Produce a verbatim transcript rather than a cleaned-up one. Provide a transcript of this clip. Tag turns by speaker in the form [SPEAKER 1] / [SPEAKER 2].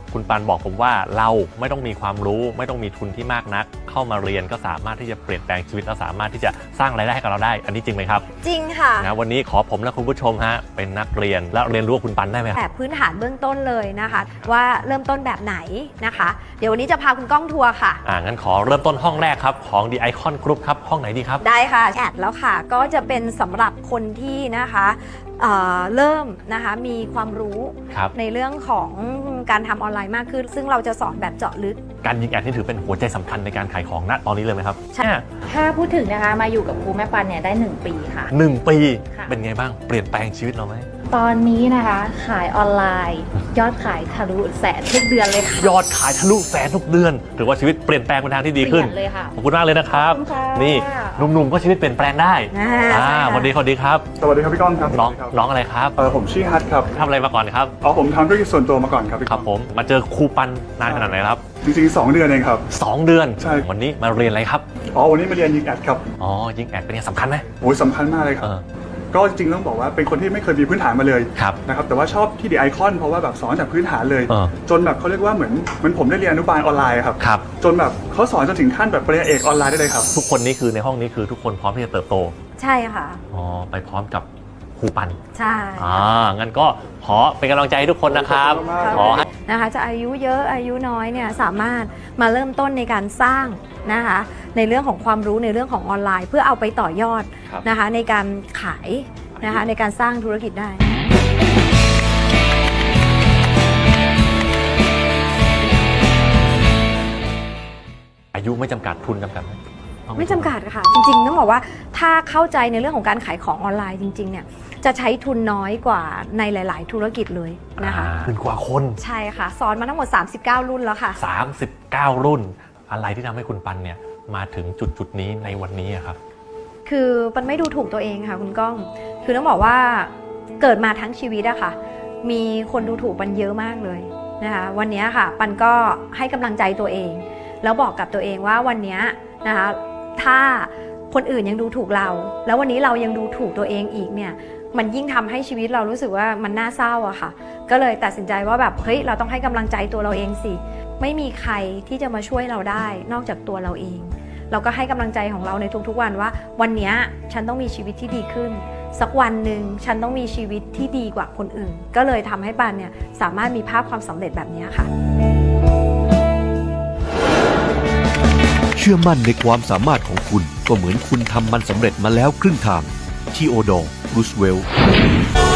[SPEAKER 1] คุณปันบอกผมว่าเราไม่ต้องมีความรู้ไม่ต้องมีทุนที่มากนักเข้ามาเรียนก็สามารถที่จะเปลี่ยนแปลงชีวิตและสามารถที่จะสร้างรายได้ให้กับเราได้อันนี้จริงไหมครับ
[SPEAKER 2] จริงค่ะ
[SPEAKER 1] นะวันนี้ขอผมและคุณผู้ชมฮะเป็นนักเรียนและเรียนรู้กับคุณปันได้ไหม
[SPEAKER 2] แบบพื้นฐานเบื้องต้นเลยนะคะว่าเริ่มต้นแบบไหนนะคะเดี๋ยววันนี้จะพาคุณก้องทัวร์ค่ะ
[SPEAKER 1] อ่างั้นขอเริ่มต้นห้องแรกครับของ The Icon Group ครับห้องไหนดีครับ
[SPEAKER 2] ได้ค่ะแอดแล้วค่ะก็จะเป็นสำหรับคนที่นะคะเอ่อเริ่มนะคะมีความรู้ในเรื่องของการทำออนไลน์มากขึ้นซึ่งเราจะสอนแบบเจาะลึก
[SPEAKER 1] การยิงแอดนี่ถือเป็นหัวใจสำคัญในการขายของณตอนนี้เลยไหมครับ
[SPEAKER 2] ใช่
[SPEAKER 3] ถ้าพูดถึงนะคะมาอยู่กับครูแม่ปันเนี่ยได้หนึ่งปีค่ะ
[SPEAKER 1] หนึ่งปีเป็นไงบ้างเปลี่ยนแปลงชีวิตเราไหม
[SPEAKER 3] ตอนนี้นะคะขายออนไลน์ยอดขายทะลุแสนทุกเดือนเลยค่ะ
[SPEAKER 1] ยอดขายทะลุแสนทุกเดือนถือว่าชีวิตเปลี่ยนแปลงไปทางที่ดีขึ้น
[SPEAKER 3] เลยค่ะ
[SPEAKER 1] ขอบคุณมากเลยนะครับนี่หนุ่มๆก็ชีวิตเปลี่ยนแปลงได้อ่าสวัสดีสวัสดีครับ
[SPEAKER 4] สวัสดีครับพี่ก้องครับ
[SPEAKER 1] น้องน้องอะไรครับ
[SPEAKER 4] เออผมชื่อฮัทครับ
[SPEAKER 1] ทำอะไรมาก่อนครับ
[SPEAKER 4] อ๋อผมทำธุรกิจส่วนตัวมาก่อนครับ
[SPEAKER 1] ครับผมมาเจอครูปันนานขนาดไหนครับ
[SPEAKER 4] จริงๆสองเดือนเองครับ
[SPEAKER 1] สองเดือน
[SPEAKER 4] ใช่
[SPEAKER 1] วันนี้มาเรียนอะไรครับ
[SPEAKER 4] อ๋อวันนี้มาเรียนยิงแอดครับ
[SPEAKER 1] อ๋อยิงแอดเป็นยังสำคัญไหม
[SPEAKER 4] โอ้ยสำคัญมากเลยครับก็จริงๆต้องบอกว่าเป็นคนที่ไม่เคยมีพื้นฐานมาเลยนะครับแต่ว่าชอบที่ดีไอคอนเพราะว่าแบบสอนจากพื้นฐานเลยจนแบบเขาเรียกว่าเหมือนเหมือนผมได้เรียนอนุบาลออนไลน์ครับจนแบบเขาสอนจนถึงขั้นแบบปริญญาเอกออนไลน์ได้เลยครับ
[SPEAKER 1] ทุกคนนี้คือในห้องนี้คือทุกคนพร้อมที่จะเติบโต
[SPEAKER 2] ใช่ค่ะ
[SPEAKER 1] อ๋อไปพร้อมกับครูปัน
[SPEAKER 2] ใช่
[SPEAKER 1] อ่างั้นก็ขอเป็นกำลังใจให้ทุกคนนะครับ
[SPEAKER 2] ขอนะคะจะอายุเยอะอายุน้อยเนี่ยสามารถมาเริ่มต้นในการสร้างนะคะในเรื่องของความรู้ในเรื่องของออนไลน์เพื่อเอาไปต่อยอดนะคะในการขายนะคะในการสร้างธุรกิจได้
[SPEAKER 1] อายุไม่จำกัดทุนจำกัดไหม
[SPEAKER 2] ไม่จำกัดค่ะจริงๆต้องบอกว่าถ้าเข้าใจในเรื่องของการขายของออนไลน์จริงๆเนี่ยจะใช้ทุนน้อยกว่าในหลายๆธุรกิจเลยนะคะ
[SPEAKER 1] ขึ้นกว่าคน
[SPEAKER 2] ใช่ค่ะสอนมาทั้งหมดสามสิบเก้ารุ่นแล้วค่ะ
[SPEAKER 1] สามสิบเก้ารุ่นอะไรที่ทำให้คุณปันเนี่ยมาถึงจุดจุดนี้ในวันนี้ครับ
[SPEAKER 2] คือปันไม่ดูถูกตัวเองค่ะคุณก้องคือต้องบอกว่าเกิดมาทั้งชีวิตอะค่ะมีคนดูถูกปันเยอะมากเลยนะคะวันนี้ค่ะปันก็ให้กำลังใจตัวเองแล้วบอกกับตัวเองว่าวันนี้นะคะถ้าคนอื่นยังดูถูกเราแล้ววันนี้เรายังดูถูกตัวเองอีกเนี่ยมันยิ่งทำให้ชีวิตเรารู้สึกว่ามันน่าเศร้าอะค่ะก็เลยตัดสินใจว่าแบบเฮ้ยเราต้องให้กำลังใจตัวเราเองสิไม่มีใครที่จะมาช่วยเราได้นอกจากตัวเราเองเราก็ให้กำลังใจของเราในทุกๆวันว่าวันนี้ฉันต้องมีชีวิตที่ดีขึ้นสักวันหนึ่งฉันต้องมีชีวิตที่ดีกว่าคนอื่นก็เลยทำให้ปันเนี่ยสามารถมีภาพความสำเร็จแบบนี้ค่ะ
[SPEAKER 5] เชื่อมั่นในความสามารถของคุณก็เหมือนคุณทำมันสำเร็จมาแล้วครึ่งทางทีโอดอร์ รูสเวลต์